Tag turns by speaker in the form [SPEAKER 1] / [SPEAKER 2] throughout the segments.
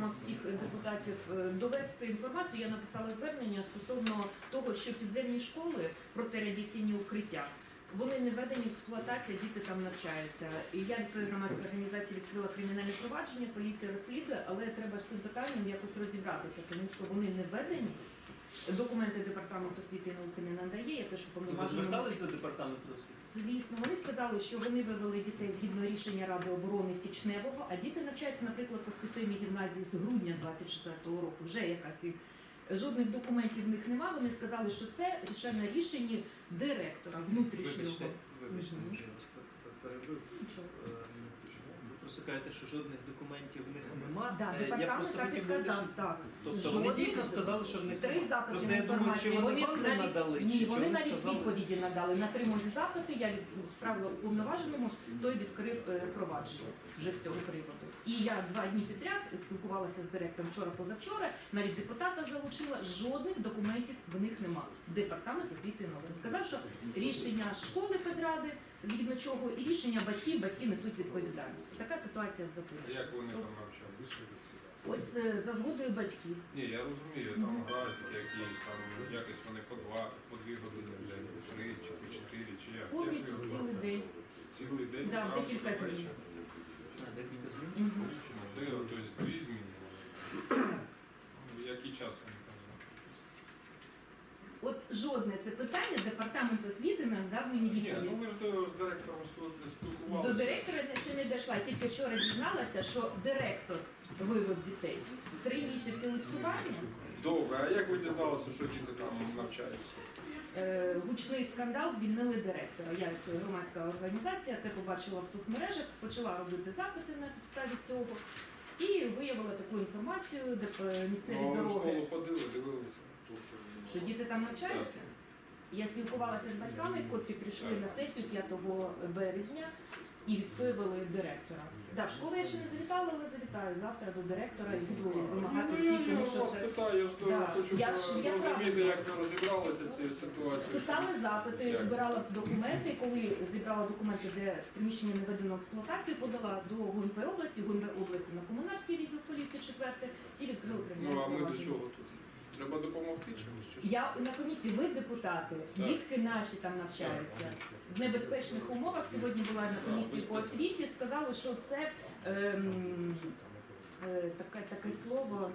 [SPEAKER 1] просимо всіх депутатів довести інформацію. Я написала звернення стосовно того, що підземні школи, протирадіаційні укриття, вони не введені в експлуатацію, діти там навчаються. І я від своєї громадської організації відкрила кримінальне провадження, поліція розслідує, але треба з цим питанням якось розібратися, тому що вони не введені. Документи департаменту освіти і науки не надає. Я теж
[SPEAKER 2] Ви
[SPEAKER 1] уповноважена.
[SPEAKER 2] звертались до департаменту освіти?
[SPEAKER 1] Звісно, вони сказали, що вони вивели дітей згідно рішення Ради оборони Січневого, а діти навчаються, наприклад, по спеціальній гімназії з грудня 24-го року. Вже якась і жодних документів в них нема. Вони сказали, що це на рішенні директора внутрішнього.
[SPEAKER 2] Вибачте, що я вас перебив.
[SPEAKER 1] Нічого.
[SPEAKER 2] Ви просто кажете, що жодних документів в них нема.
[SPEAKER 1] Да,
[SPEAKER 2] Я
[SPEAKER 1] департамент
[SPEAKER 2] просто
[SPEAKER 1] так і
[SPEAKER 2] хотів
[SPEAKER 1] сказав,
[SPEAKER 2] вирішити.
[SPEAKER 1] так.
[SPEAKER 2] Тобто вони
[SPEAKER 1] Жодних
[SPEAKER 2] дійсно сказали, що в них
[SPEAKER 1] 3
[SPEAKER 2] нема.
[SPEAKER 1] запити
[SPEAKER 2] Просто
[SPEAKER 1] на
[SPEAKER 2] я думаю, чи
[SPEAKER 1] інформацію.
[SPEAKER 2] вони вам не
[SPEAKER 1] навіть-
[SPEAKER 2] надали,
[SPEAKER 1] Ні,
[SPEAKER 2] чи
[SPEAKER 1] вони
[SPEAKER 2] вони
[SPEAKER 1] навіть
[SPEAKER 2] сказали?
[SPEAKER 1] відповіді надали. На 3 мої запити я відправила уповноваженому, той відкрив провадження вже з цього приводу. І я 2 дні підряд спілкувалася з директором вчора-позавчора, навіть депутата залучила, жодних документів в них нема. Департамент освіти і науки сказав, що рішення школи педради, згідно чого, і рішення батьків, батьки несуть відповідальність. Така ситуація в Запоріжжі.
[SPEAKER 3] Як вони там навчалися?
[SPEAKER 1] Ось за згодою батьків.
[SPEAKER 3] Ні, я розумію, там графік якийсь, там якось вони по 2 години в день, по 3 чи по 4, чи як?
[SPEAKER 1] Повністю
[SPEAKER 3] Як ви
[SPEAKER 1] цілий
[SPEAKER 3] робите?
[SPEAKER 1] день.
[SPEAKER 3] Цілий день?
[SPEAKER 1] Да,
[SPEAKER 3] зранку
[SPEAKER 1] декілька
[SPEAKER 3] до
[SPEAKER 1] змін.
[SPEAKER 3] вечора?
[SPEAKER 2] Декілька змін.
[SPEAKER 1] Мгм.
[SPEAKER 3] Ну, тобто 2 зміни. Який час вони там знаходяться?
[SPEAKER 1] От жодне це питання департамент освіти нам дав мені
[SPEAKER 3] Ні,
[SPEAKER 1] відповідь.
[SPEAKER 3] ну ви ж з директором спілкувалися.
[SPEAKER 1] До директора ще не дійшла. Тільки вчора дізналася, що директор вивез дітей. 3 місяці листування.
[SPEAKER 3] Добре, а як ви дізналися, що діти там навчаються?
[SPEAKER 1] Гучний скандал, звільнили директора. Я як громадська організація це побачила в соцмережах, почала робити запити на підставі цього і виявила таку інформацію, де місцеві
[SPEAKER 3] Ну, а ви в
[SPEAKER 1] дороги,
[SPEAKER 3] школу ходили, дивилися?
[SPEAKER 1] що діти там навчаються. Я спілкувалася з батьками, котрі прийшли на сесію 5 березня і відстоювали директора. Да, в школу я ще не завітала, але завітаю завтра до директора і буду вимагати ці,
[SPEAKER 3] Я
[SPEAKER 1] тому що
[SPEAKER 3] вас
[SPEAKER 1] це...
[SPEAKER 3] питаю, я ж
[SPEAKER 1] Да.
[SPEAKER 3] хочу
[SPEAKER 1] Я
[SPEAKER 3] зрозуміти,
[SPEAKER 1] правда.
[SPEAKER 3] як ви розібралися з цією ситуацією.
[SPEAKER 1] Писали запити,
[SPEAKER 3] Як?
[SPEAKER 1] збирала документи. Коли зібрала документи, де приміщення не введено в експлуатацію, подала до ГУНП області, ГУНП області на комунальський відділ поліції 4, ті відкрили
[SPEAKER 3] Ну,
[SPEAKER 1] кримінальне
[SPEAKER 3] а ми до
[SPEAKER 1] провадження.
[SPEAKER 3] чого тут? Треба допомогти чомусь? Чи що?
[SPEAKER 1] Я на комісії, ви депутати,
[SPEAKER 3] Так.
[SPEAKER 1] дітки наші там навчаються в небезпечних умовах. Сьогодні була на комісії по освіті, сказали, що це таке слово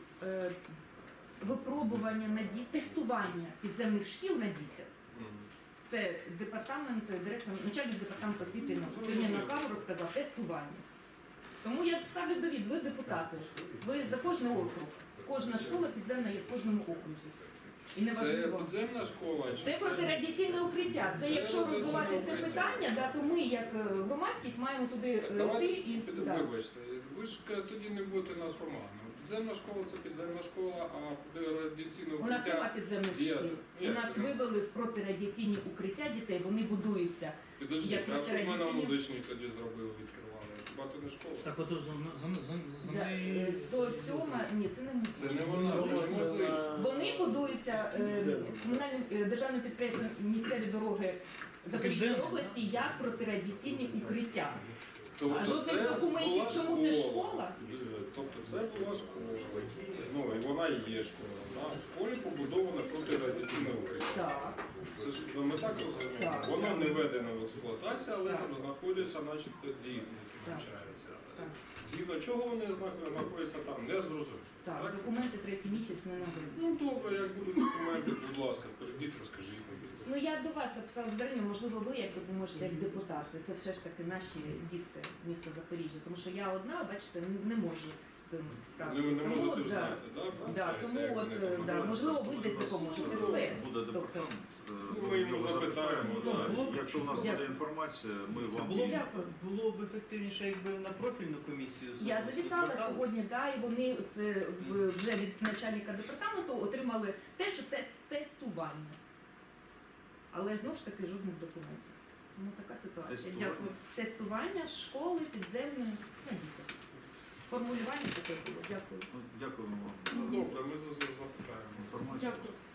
[SPEAKER 1] випробування на тестування підземних шкіл на дітях.
[SPEAKER 3] Мгм.
[SPEAKER 1] Це департамент, директор, начальник департаменту освіти і науки. Сьогодні на камеру сказав тестування. Тому я ставлю довід, ви депутати, ви за кожний округ. Кожна школа підземна є в кожному окрузі. І
[SPEAKER 3] Це
[SPEAKER 1] неважливо.
[SPEAKER 3] підземна школа? Чи
[SPEAKER 1] Це протирадіаційне укриття. Це
[SPEAKER 3] Це
[SPEAKER 1] якщо розвивати
[SPEAKER 3] радіаційне
[SPEAKER 1] це
[SPEAKER 3] укриття.
[SPEAKER 1] питання, да, то ми як громадськість маємо туди йти
[SPEAKER 3] Давайте,
[SPEAKER 1] і да.
[SPEAKER 3] вибачте, ви ж тоді не будете нас помагати. Підземна школа це підземна школа, а радіаційне
[SPEAKER 1] У нас нема
[SPEAKER 3] укриття...
[SPEAKER 1] підземних
[SPEAKER 3] Є.
[SPEAKER 1] шкіл. У
[SPEAKER 3] Як
[SPEAKER 1] нас
[SPEAKER 3] це?
[SPEAKER 1] вивели в протирадіаційні укриття дітей, вони будуються.
[SPEAKER 3] Підождіть,
[SPEAKER 1] Як
[SPEAKER 3] а що ми на
[SPEAKER 1] протирадіаційні?
[SPEAKER 3] музичній тоді зробили, відкривали? Хіба то не школа?
[SPEAKER 4] Так от за
[SPEAKER 1] Да,
[SPEAKER 4] неї...
[SPEAKER 1] 107, ні, це не
[SPEAKER 3] Це
[SPEAKER 1] музична.
[SPEAKER 3] не вона, це не музична.
[SPEAKER 1] Вони будуються комунальним державним підприємством місцеві дороги Запорізької
[SPEAKER 4] Підземне,
[SPEAKER 1] області як протирадіаційні укриття.
[SPEAKER 3] Тобто
[SPEAKER 1] А жодних
[SPEAKER 3] це
[SPEAKER 1] документів,
[SPEAKER 3] була
[SPEAKER 1] чому це школа?
[SPEAKER 3] Тобто це була школа, ну і вона і є школа. Да? В школі побудоване протирадіаційне укриття.
[SPEAKER 1] Так.
[SPEAKER 3] Це ж ми так розуміємо.
[SPEAKER 1] Так.
[SPEAKER 3] Воно не введено в експлуатацію, але
[SPEAKER 1] Так.
[SPEAKER 3] там знаходяться, начебто, діти, які
[SPEAKER 1] Так.
[SPEAKER 3] навчаються.
[SPEAKER 1] Так.
[SPEAKER 3] Згідно чого вони знаходяться там, не зрозуміло.
[SPEAKER 1] Так, документи 3-й місяць не набили.
[SPEAKER 3] Ну добре, як будуть документи, будь ласка, прийдіть, розкажіть.
[SPEAKER 1] Ну я до вас написала звернення, можливо, ви як допоможете як депутати. Це все ж таки наші діти міста Запоріжжя. Тому що я одна, бачите, не можу з цим
[SPEAKER 3] Ви
[SPEAKER 1] справитися.
[SPEAKER 3] не
[SPEAKER 1] Тому
[SPEAKER 3] можете
[SPEAKER 1] от,
[SPEAKER 3] знати, так?
[SPEAKER 1] да, тому от, да, можливо, ви десь допоможете. Все.
[SPEAKER 5] Буде
[SPEAKER 1] Тобто,
[SPEAKER 5] департамент.
[SPEAKER 3] Ми йому запитаємо,
[SPEAKER 5] Да.
[SPEAKER 2] да.
[SPEAKER 5] Якщо у нас
[SPEAKER 1] Дякую.
[SPEAKER 5] буде інформація, ми
[SPEAKER 2] Це
[SPEAKER 5] вам
[SPEAKER 2] було,
[SPEAKER 5] її-
[SPEAKER 1] Дякую.
[SPEAKER 2] було б ефективніше, якби на профільну комісію
[SPEAKER 1] Я завітала
[SPEAKER 2] звертали.
[SPEAKER 1] сьогодні, да, і вони це вже від начальника департаменту отримали те, що тестування. Але знову ж таки жодних документів. Тому така ситуація.
[SPEAKER 5] Тестування?
[SPEAKER 1] Дякую. Тестування школи підземної на дітях. Формулювання таке було. Дякую.
[SPEAKER 5] Ну, дякуємо вам
[SPEAKER 3] Ну
[SPEAKER 5] за
[SPEAKER 3] добре, ми запитаємо.
[SPEAKER 5] інформацію.
[SPEAKER 1] Дякую.